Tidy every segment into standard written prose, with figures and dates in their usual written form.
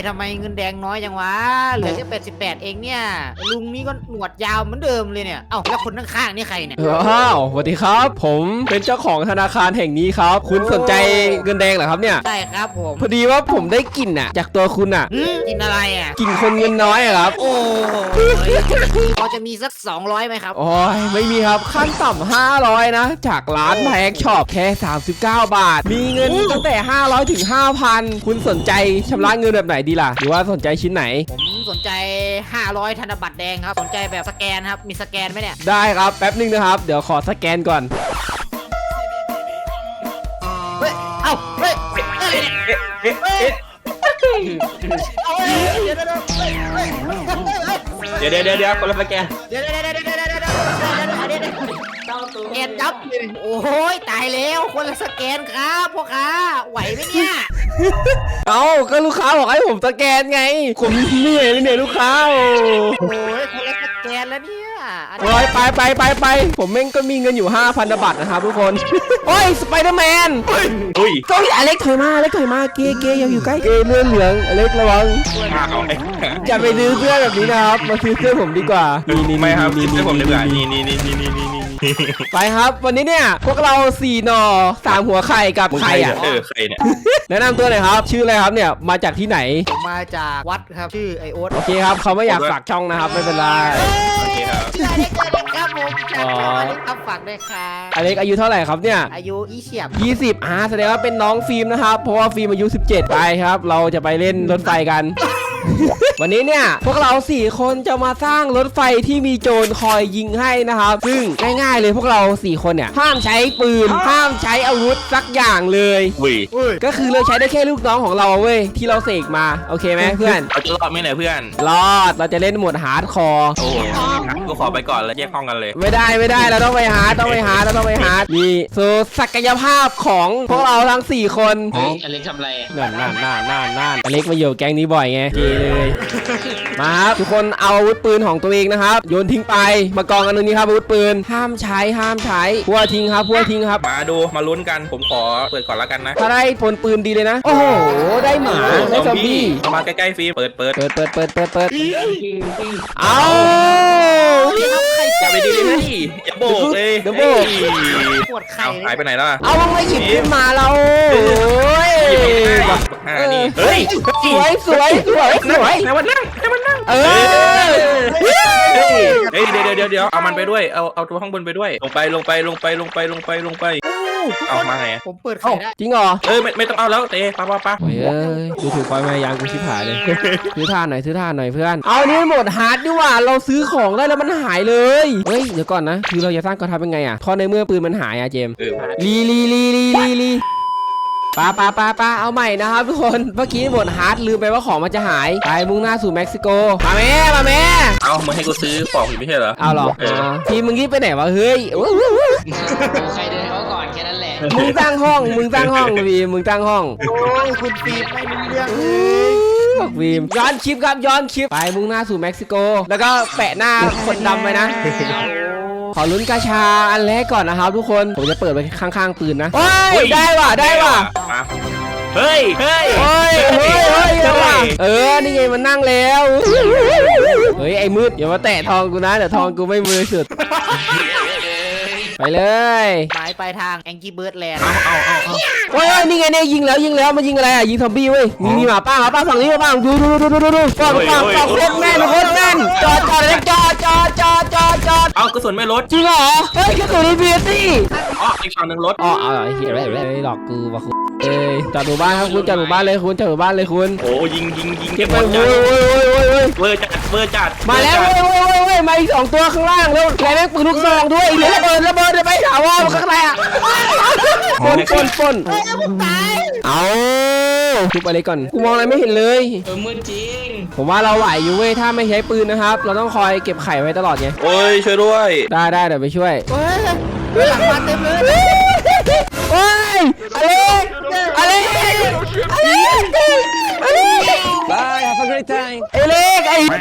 ทำไมเงินแดงน้อยจังวะเหลือแค่88เองเนี่ยลุงนี่ก็หนวดยาวเหมือนเดิมเลยเนี่ยเอ้าแล้วคนข้างๆนี่ใครเนี่ยอ้าวสวัสดีครับผมเป็นเจ้าของธนาคารแห่งนี้ครับคุณสนใจเงินแดงเหรอครับเนี่ยใช่ครับผมพอดีว่าผมได้กลิ่นอ่ะจากตัวคุณอ่ะกินอะไรอ่ะกลิ่นคนเงินน้อยครับโอ้พอจะมีสัก200ไหมครับโอ้ยไม่มีครับขั้นต่ำ500นะจากร้านแพ็กช็อปแค่39 บาทมีเงินตั้งแต่500ถึง 5,000คุณสนใจชำระเงินแบบไหนดีล่ะหรือว่าสนใจชิ้นไหนผมสนใจ500ธนบัตรแดงครับสนใจแบบสแกนครับมีสแกนไหมเนี่ยได้ครับแป๊บนึงนะครับเดี๋ยวขอสแกนก่อนเฮ้ยเอ้าเฮ้ยเดี๋ยวคนละสแกนเดี๋ยวแกนจับโอ้ยตายแล้วคนละสแกนครับพ่อค้าไหวไหมเนี่ยเอาก็ลูกค้าบอกให้ผมสแกนไงผมเหนื่อยเลยเนี่ยลูกค้าโอ้ยคนละสแกนแล้วเนี่ยไปผมแม่งก็มีเงินอยู่ 5,000 บาทนะครับทุกคนโอ้ยสไปเดอร์แมนอุ้ยก็อเล็กถอยมาเกอย่าอยู่ใกล้เกเลื่อนเหลืองอเล็กระวังอย่าไปซื้อเสื้อแบบนี้นะครับมาซื้อเสื้อผมดีกว่านี่ไม่ครับซื้อผมดีกว่านี่ไปครับวันนี้เนี่ยพวกเรา4หน่อ3หัวไข่กับไข่อ่ะใครเนี่ยแนะนำตัวหน่อยครับชื่ออะไรครับเนี่ยมาจากที่ไหนผมมาจากวัดครับชื่อไอโอ๊ตโอเคครับเขาไม่อยากฝากช่องนะครับไม่เป็นไรโอเคครับชื่ออเล็กครับผมครับฝากด้วยครับอเล็กอายุเท่าไหร่ครับเนี่ยอายุ 20แสดงว่าเป็นน้องฟิล์มนะครับเพราะว่าฟิล์มอายุ17ไปครับเราจะไปเล่นรถไฟกันวันนี้เนี่ยพวกเรา4คนจะมาสร้างรถไฟที่มีโจรคอยยิงให้นะครับซึ่งง่ายๆเลยพวกเรา4คนเนี่ยห้ามใช้ปืนห้ามใช้อาวุธสักอย่างเลยก็คือเราใช้ได้แค่ลูกน้องของเราเว้ยที่เราเสกมาโอเคไหมเพื่อนเราจะรอดไหมเนี่ยเพื่อนรอดเราจะเล่นโหมดฮาร์ดคอร์โอ้ก็ขอไปก่อนแล้วแยกห้องกันเลยไม่ได้เราต้องไปฮาร์ดนี่สู่ศักยภาพของพวกเราทั้ง4คนอเล็กทำอะไรนั่นอเล็กมาอยู่แก๊งนี้บ่อยไงเกเลยมาครับทุกคนเอาอาวุธปืนของตัวเองนะครับโยนทิ้งไปมากองกันตรงนี้ครับอาวุธปืนห้ามใช้พัวทิ้งครับมาดูมาลุ้นกันผมขอเปิดก่อนแล้วกันนะถ้าได้ผลปืนดีเลยนะโอ้โหได้หมาได้ซอมบี้มาใกล้ๆฟิล์มเปิดเอาอย่าไปดีเลยอย่าโบกเลยปวดไข่หายไปไหนแล้วเอาไม่หยิบขึ้นมาเราเฮ้ยสวยให้มันนั่งเดี๋ยวเอามันไปด้วยเอาตัวข้างบนไปด้วยลงไปเอามาไงผมเปิดไข่ได้จริงเหรอไม่ต้องเอาแล้วเตะปะดูถือคอยมายางกูชิบหายเลยซื้อท่าหน่อยเพื่อนเอานี่หมดฮาร์ดดีกว่าเราซื้อของได้แล้วมันหายเลยเฮ้ยเดี๋ยวก่อนนะคือเราจะสร้างกองทัพยังไงอะพอในเมื่อปืนมันหายอะเจมลีปาเอาใหม่นะครับทุกคนเมื่อกี้หมดฮาร์ดลืมไปว่าของมันจะหายไปมุ่งหน้าสู่เม็กซิโกมาแม่เอามึงให้กูซื้อของอยู่ไม่ใช่เหรอเอาหรอทีมึงรีบไปไหนวะเฮ้ยใครเดินเขาก่อนแค่นั้นแหละมึงตั้งห้องพี่มึงตั้งห้องโอ้ยคุณฟิล์มไม่รู้เรื่องฟิล์มย้อนคลิปไปมุ่งหน้าสู่เม็กซิโกแล้วก็แปะหน้าคนดำไปนะขอลุ้นกาชาอันแรกก่อนนะครับทุกคนผมจะเปิดไปข้างๆปืนนะได้ว่ะเฮ้ยนี่ไงมันนั่งแล้วเฮ้ยไอ้มืดอย่ามาแตะทองกูนะเดี๋ยวทองกูไม่มือสุดไปเลยหมายปลายทางแองกี้เบิร์ดแลนด์โอ้ยนี่ไงเนี่ยยิงแล้วมันยิงอะไรอ่ะยิงซอมบี้เว้ยมีหมาป้าฝั่งนี้มาป้าดูฝั่งโคตรแม่นจอดเอากระสุนไม่ลดจริงเหรอเฮ้ยกระสุนในเบียร์สิอีกฝั่งหนึ่งลดเอาเหี้ยอะไรหลอกกูวะคุณจอดหมู่บ้านครับคุณจอดหมู่บ้านเลยคุณโอ้ยิงเก็บไปเวอร์จัดมาแล้วมาอีก2ตัวข้างล่างแล้วแม่งปืนลูกซองด้วยระเบิดไปถาวรข้างในอ่ะปนเอาทุบอะไรก่อนกูมองอะไรไม่เห็นเลยมืดจริงผมว่าเราไหวอยู่เว้ยถ้าไม่ใช้ปืนนะครับเราต้องคอยเก็บไข่ไว้ตลอดไงโอ้ยช่วยด้วยได้เดี๋ยวไปช่วยหลังมาเต็มเลยโอ้ยอะไรบาย have a great time อเล็ก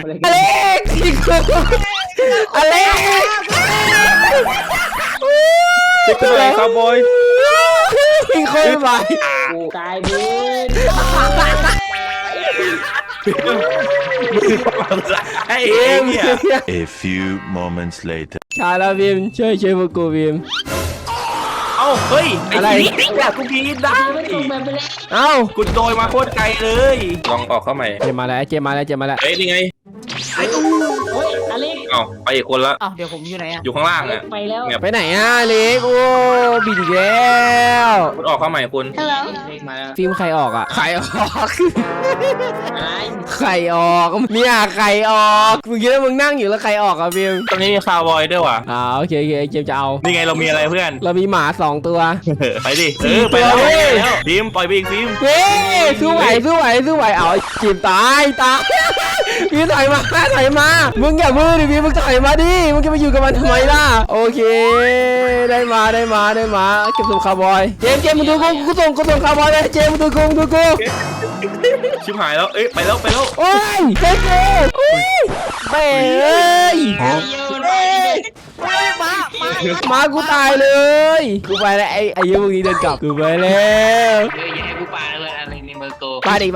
เป็นไรครับบอยยิงคนไปตายดิไอ้เองเนี่ย A few moments later. ใช่แล้วพิมช่วยพวกกูพิมเอ้าเฮ้ยไอ้อะไรนี่เนี่ยกูพีดได้ไม่ตรงแบบไปแล้วเอ้ากูโดยมาโคตรไกลเลยลองออกเข้าใหม่เจมมาแล้วเจมมาแล้วเฮ้ยนี่ไงโอ้ยอเล็กเอ้าไปอีกคนละเอ้าเดี๋ยวผมอยู่ไหนอะอยู่ข้างล่างอ่ะไปแล้วไปไหนอ่ะเล็กโอ้บิดอีกแล้วคุณออกเข้าใหม่คุณอเล็กมาแล้วฟิล์มใครออกอ่ะใครออกอะไรใครออกเนี่ยใครออกมึงคิดว่ามึงนั่งอยู่แล้วใครออกอ่ะฟิล์มตรงนี้มีคาวบอยด้วยว่ะโอเคเจมจะเอานี่ไงเรามีอะไรเพื่อนเรามีหมา2 ตัวไปดิไปแล้วเฮ้ยฟิล์มปล่อยไปอีกฟิล์มเฮ้ยสู้ไหวเอาจีบตายพี่ถอยมามึงอย่ามือดิพี่มึงถอยมาดิมึงจะไปอยู่กับมันทำไมล่ะโอเคได้มาเก็บส่งคาร์บอยเจมมึงดูกูส่งคาร์บอยเลยเจมมึงดูกูชิบหายแล้วเอ้ยไปแล้วโอ้ยเจ๊โอ้ยแม่เอ้ยโยนไปเลยมากูตายเลยกูไปแล้วไอ้ยูมึงนี้เดินกลับกูไปแล้วเฮ้ยอย่าให้กูปาเลยอะไรในเบอร์โกมาดิ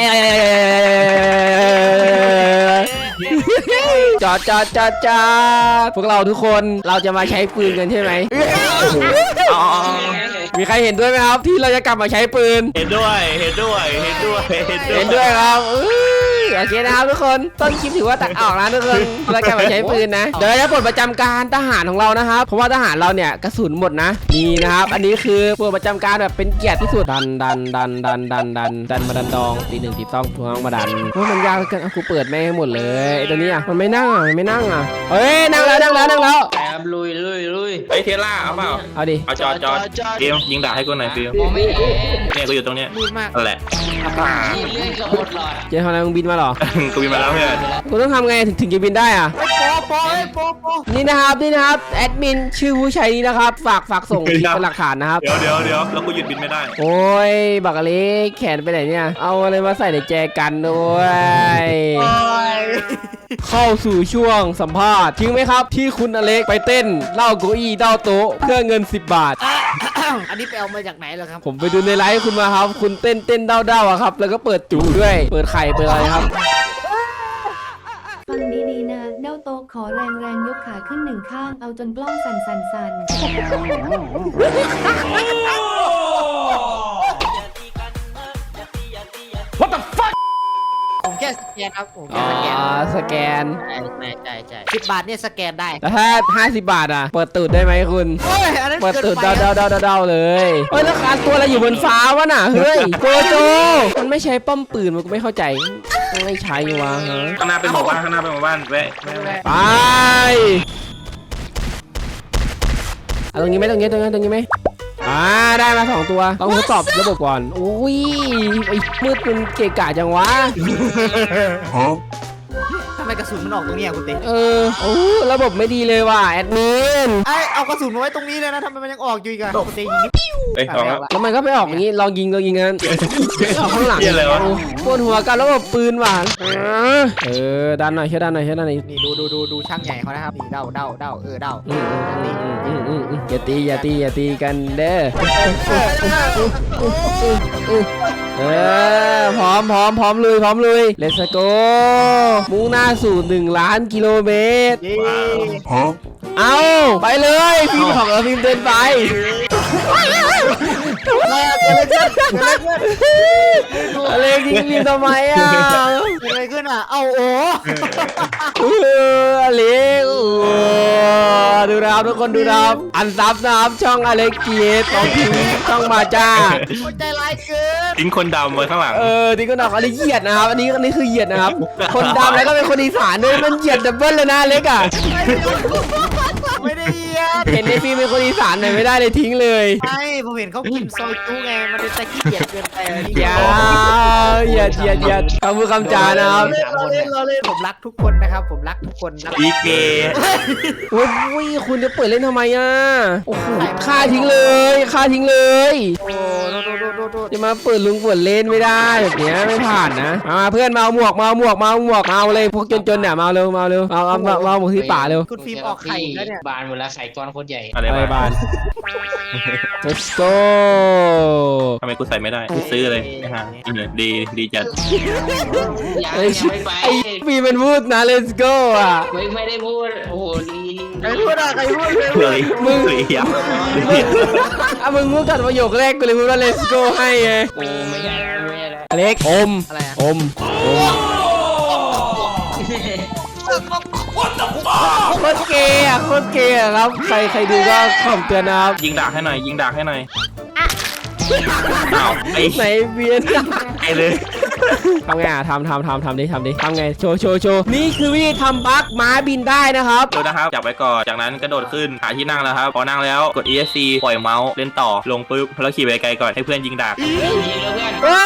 จอดพวกเราทุกคนเราจะมาใช้ปืนกันใช่ไหมอ๋อมีใครเห็นด้วยไหมครับ ที่เราจะกลับมาใช้ปืนเห็นด้วยเห็นด้วยครับโอเคนะครับทุกคนต้นคลิปถือว่าตัดออกนะทุกคนเรากลับมาใช้ปืนนะเดี๋ยวจะปลดประจำการทหารของเรานะครับเพราะว่าทหารเราเนี่ยกระสุนหมดนะนี่นะครับอันนี้คือปลดประจำการแบบเป็นเกียรติที่สุดดันมาดันดองตีหนึ่งตีต้องทวงมาดันว่ามันยากเกินกูเปิดแม่งให้หมดเลยไอ้ตัวนี้อ่ะมันไม่นั่งเฮ้ยนั่งแล้วไปครับลุยไอ้เทล่าเอาเปล่าเอาดิเอาจอดฟิล์มยิงด่าให้กูหน่อยฟิล์มมองไม่เห็นเนี่ยกูอยู่ตรงเนี้ยมืดมากนั่นแหละนี่เลื่อนกับหมดหลอดเจ๊ทำอะไรมึงบินมาเหรอกูมีมาแล้วเพื่อนกูต้องทำไงถึงจะบินได้อ่ะโปนี่นะครับแอดมินชื่อผู้ใช้นี้นะครับฝากส่งเป็นหลักฐานนะครับเดี๋ยวแล้วกูหยุดบินไม่ได้โอ้ยบักอเล็กแขนไปไหนเนี่ยเอาอะไรมาใส่ในแจกันด้วยเข้าสู่ช่วงสัมภาษณ์จริงไหมครับ ที่คุณอเล็กไปเต้นเล่าเก้าอี้เล่าโต๊ะเพื่อเงิน10 บาทอันนี้ไปเอามาจากไหนเหรอครับผมไปดูในไลฟ์คุณมาครับ คุณเต้นเด้าอะครับ แล้วก็เปิดจูด้วย เปิดไข่เปิดอะไรครับฟังดีๆนะเด้าโตะขอแรงยกขาขึ้น1 ข้าง เอาจนกล้องสั่นผมแค่สแกนครับผมอ๋แค่อสแกนสแกนใช่10 บาทเนี่ยสแกนได้แล้วถ้า50 บาทอ่ะ เปิดตูดได้ไหมคุณโอ้ยอันนั้นเปิดเกินตูดไปอะเดาเลยเฮ้ยแล้วการตัวอะไรอยู่บนฟ้าวะน่ะ เฮ้ยโกโจ มันไม่ใช้ป้อมปืนมันก็ไม่เข้าใจ ไม่ใช้วะฮะข้างหน้าเป็นหมู่บ้านแวะไปเอาตรงนี้ไหมตรงนี้ไหมได้มา2 ตัวต้องทดสอบระบบก่อนอุ้ยไอ้มืดมันเกะกะจังวะทำไมกระสุนมันออกตรงเนี้ยคุณเต้โอ้ระบบไม่ดีเลยว่ะแอดมินเอากระสุนมาไว้ตรงนี้เลยนะทำไมมันยังออกอยู่อีกอะคุณเต้ยิงนิดเอ้ยสองแล้วแล้วมันก็ไปออกอย่างนี้ลองยิงกันออกข้างหลังเหี้ยอะไรวะปวดหัวกันระบบปืนว่ะดันหน่อยดันหน่อยนี่ดูช่างใหญ่เขานะครับนี่เด้าเด้าอย่าตีกันเด้อพร้อมลุย Let's go มุ่งหน้าสู่1 ล้านกิโลเมตร เอาไปเลยพิมพ์ของเราพิมพ์เดินไปอะไรยิงพิมพ์ทำไมอ่ะเกิดอะไรขึ้นอ่ะเอาโอ้อเล็กดูนะครับทุกคนดูนะครับอันซับนะครับช่องอเล็กเกียร์ต้องทิ้งช่องมาจ้าคนใจร้ายเกินทิ้งคนดำไว้ข้างหลังที่ก็ดอกอันนี้เหยียดนะครับอันนี้คือเหยียดนะครับ คนดำแล้วก็เป็นคนอีสานด้วยมันเหยียดดับเบิ้ลเลยนะเล็กอ่ะไม่ได้เหยียดเห็นในฟิล์มเป็นคนอีสานหน่อยไม่ได้เลยทิ้งเลยใช่ผมเห็นเขากินซอยจุไงมันเป็นตะขี้เกียจเกินไปอะนี่อย่าคำพูดคำจานะครับเราเล่นผมรักทุกคนนะครับผมรักทุกคนรักอีเกโอ้ยคุณจะเปิดเล่นทำไมอ่ะโอ้โหฆ่าทิ้งเลยโอ้โดจะมาเปิดเล่นไม่ได้แบบเนี้ยไม่ผ่านนะมาเพื่อนมาเอาหมวกมาเลยพวกจนๆเนี่ยมาเร็วเอาหมวกที่ป่าเร็วคุณฟิล์มออกไข่แล้วเนี่ยบานหมดแล้วไข่กกรโคตรใหญ่อะไรอะไรบ้าบ้าน let's go ทำไมกูใส่ไม่ได้กูซื้อเลยนะฮะดีจัดยังไอ้ยังไม่ไปไอ้ฟีมันพูดนะ let's go อ่ะไม่ได้พูดโอ้โหดีใครพูดอะใครพูดเลยมึงเลยยับอ่ะมึงพูดกันประโยคแรกกูเลยพูดว่า let's go ให้ไงโอ้ไม่ใช่แล้วอเล็กอมอะไรอะอมโคตรเกย์อ่ะโคตรเกย์อ่ะครับใครดูก็ขอบเตือนนะครับยิงดากให้หน่อยยิงดากให้หน่อยอ้าวไอ้ไหนเบียนไอ้เลยทำไงอ่ะทำดิทำไงโชว์นี่คือวิธีทำบั๊กม้าบินได้นะครับดูนะครับจับไว้ก่อนจากนั้นกระโดดขึ้นหาที่นั่งแล้วครับพอนั่งแล้วกด ESC ปล่อยเมาส์เล่นต่อลงปุ๊บแล้วขี่ไปไกลก่อนให้เพื่อนยิงดากยิงแล้วเพื่อน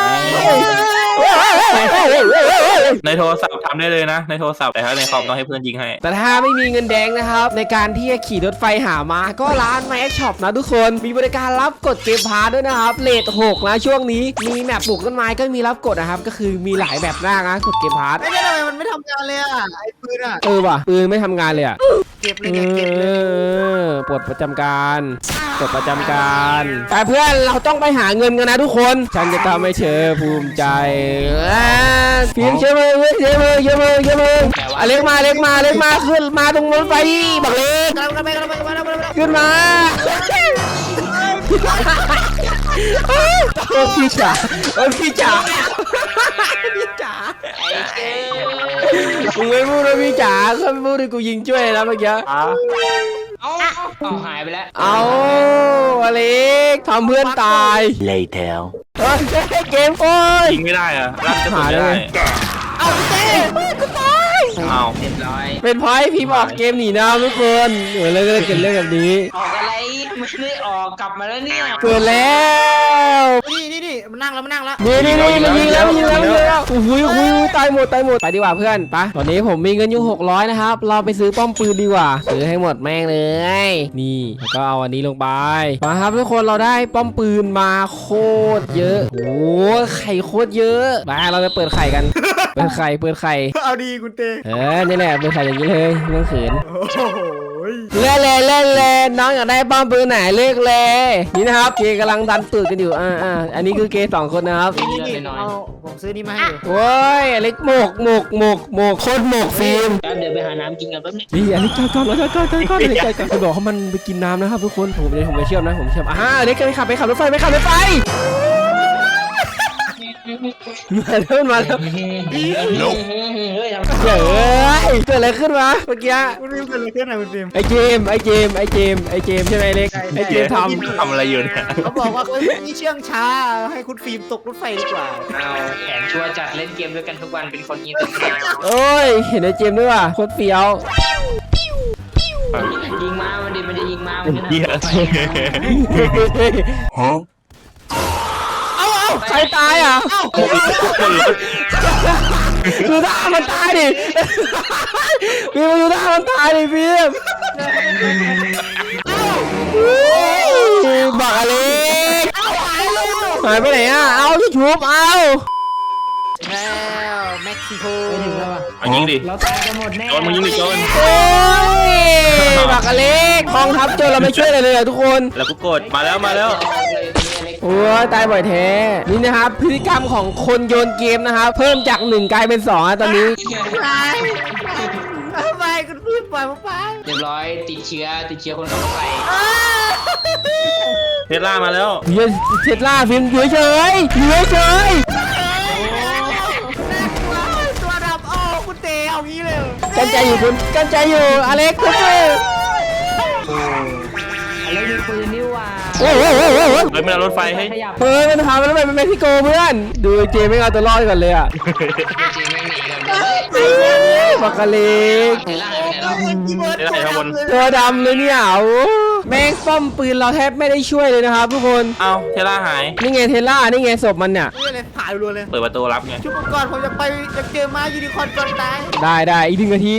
ในโทรศัพท์ทำได้เลยนะในโทรศัพท์แต่ถ้าในคอมต้องให้เพื่อนยิงให้แต่ถ้าไม่มีเงินแดงนะครับในการที่จะขี่รถไฟหาม้าก็ร้าน My Shop นะทุกคนมีบริการรับกดเกมพาร์ทด้วยนะครับเรท6นะช่วงนี้มีแมปปลูกต้นไม้ก็มีรับกดนะครับก็คือมีหลายแบบมากนะกดเกมพาร์ทไอ้เนี่ยทำไมมันไม่ทำงานเลยอะไอ้ปืนอะว่ะปืนไม่ทำงานเลยอ่ะเก็บเลยเนี่ยเก็บเลยปลดประจำการปลดประจำการแต่เพื่อนเราต้องไปหาเงินกันนะทุกคนฉันจะทำให้เธอภูมิใจฟิล์มเชื่อมืออเล็กมาขึ้นมาตรงรถไฟบักเล็กกำลังไปขึ้นมาโอ้พี่จ๋าพี่จ๋าไอ้เจ้มึงไม่พูดนะพี่จ๋าก็ไม่พูดเลยกูยิงช่วยนะเมื่อกี้เอาหายไปแล้วเอาอเล็กทำเพื่อนตาย Later. เฮ้ยเกมโอ้ยยิงไม่ได้อะลั่นกระสุนไม่ได้เอาเต้กูตายอ้าวเรียบร้อยเป็นเพราะให้พี่บอกเกมหนีน้ำทุกคนเลยก็เลยเกิดเรื่องแบบนี้ออกอะไรไม่ได้ออกกลับมาแล้วเนี่ยเกิดแล้วนี่มันนั่งแล้วนี่มันยิงแล้วโอ้โหตายหมดไปดีกว่าเพื่อนไปตอนนี้ผมมีเงินอยู่600นะครับเราไปซื้อป้อมปืนดีกว่าซื้อให้หมดแม่งเลยนี่แล้วก็เอาอันนี้ลงไปมาครับทุกคนเราได้ป้อมปืนมาโคตรเยอะโอ้ไข่โคตรเยอะมาเราไปเปิดไข่กันเปิดไข่เอาดีคุณเต้นี่แหละเปิดไข่อย่างนี้เลยไม่ต้องเขินโอ้โหเล่นน้องอยากได้ป้อมปืนไหนเลือกเลยนี่นะครับเกย์กำลังดันตูดกันอยู่อันนี้คือเกย์2คนนะครับนี่เอาผมซื้อนี่มาให้อยู่โอ้ยอเล็กหมกโคตรหมกฟิล์มแป๊บเดี๋ยวไปหาน้ำกินกันแป๊บนึงนี่อเล็กจอดอเล็กจอดไปบอกเขามันไปกินน้ำนะครับทุกคนผมไปเชื่อมนะอเล็กไปขับรถไฟมาแล้วเฮ้ยทำเกิดอะไรขึ้นวะเมื่อกี้คุณฟิล์มเกิดอะไรขึ้นอะคุณฟิล์มไอเจมใช่ไหมเล็กไอเจมทำอะไรอยู่เนี่ยเขาบอกว่าคนนี้เชื่องช้าให้คุณฟิล์มตกรถไฟดีกว่าเอาแผนชัวร์จัดเล่นเกมด้วยกันทุกวันเป็นคนยิงตัวโอ้ยเห็นไอเจมด้วยว่ะโคตรเฟี้ยวยิงมามันดิมันจะยิงมามันจะเหี้ย Huh? ใครตายอ่ะดูท่ามันตายดิพี่มาดูท่ามันตายดิพี่บอกอะไรหายไปไหนอ่ะเอาที่ชุบเอาแล้วเม็กซิโกเอายิงดิเราตายกันหมดแน่โจนมึงยิงดิโจนโอ้ยบักอเล็กกองทัพโจรเราไม่ช่วยอะไรเลยทุกคนแล้วกูกดมาแล้วโอ้ยตายบ่อยแท้นี่นะครับพฤติกรรมของคนโยนเกมนะครับเพิ่มจาก1กลายเป็น2ตอนนี้ไปคุณฟิล์มปล่อยผมไปเรียบร้อยติดเชื้อคนขับรถไฟเทสลามาแล้วเฮ้ยเทสลาฟิล์มอยู่เฉยตัวดำโอ้คุณเตเอางี้เลยกันใจอยู่อเล็กคุณเแล้วมีปืนนี่ว่าโอ้โหเฮ้ยมันเอารถไฟให้ขยับเฮ้ยมันทำแล้วไปเป็นเม็กซิโกเพื่อนดูเจไม่เอาตัวรอดก่อนเลยอ่ะจริงไม่หนีกันเลยบักอเล็กเทล่าไปไหนแล้วเทสลาอยู่ข้างบนตัวดำเลยเนี่ยโอ้แม่งป้อมปืนเราแทบไม่ได้ช่วยเลยนะครับทุกคนเอ้าเทสลาหายนี่ไงเทสลานี่ไงศพมันเนี่ยนี่เลยผ่านรัวเลยเปิดประตูรับไงชุบก่อนผมจะไปจะเจอม้ายูนิคอร์นก่อนตายได้อีก1 นาที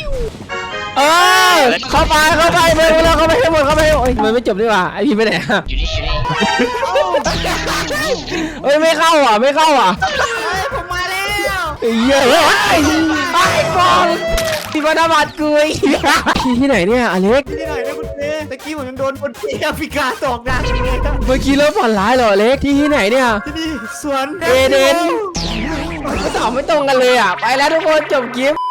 เข้าไปไปแล้วเข้าไปให้หมดโอ้ยมันไม่จบดีกว่าไอพี่ไปไหนอะอยู่นี่เฮ้ยไม่เข้าอ่ะผมมาแล้วเยอะไปก่อนที่มาดาบัดกูที่ไหนเนี่ยอเล็กที่ไหนเนี่ยคุณะกี้ผมยังโดนคนที่แอฟริกาตอกดังเลยเมื่อกี้เริ่มฝันร้ายเหรอเล็กที่ไหนเนี่ยที่นี่สวนเอเดนก็ตอบไม่ตรงกันเลยอ่ะไปแล้วทุกคนจบคลิป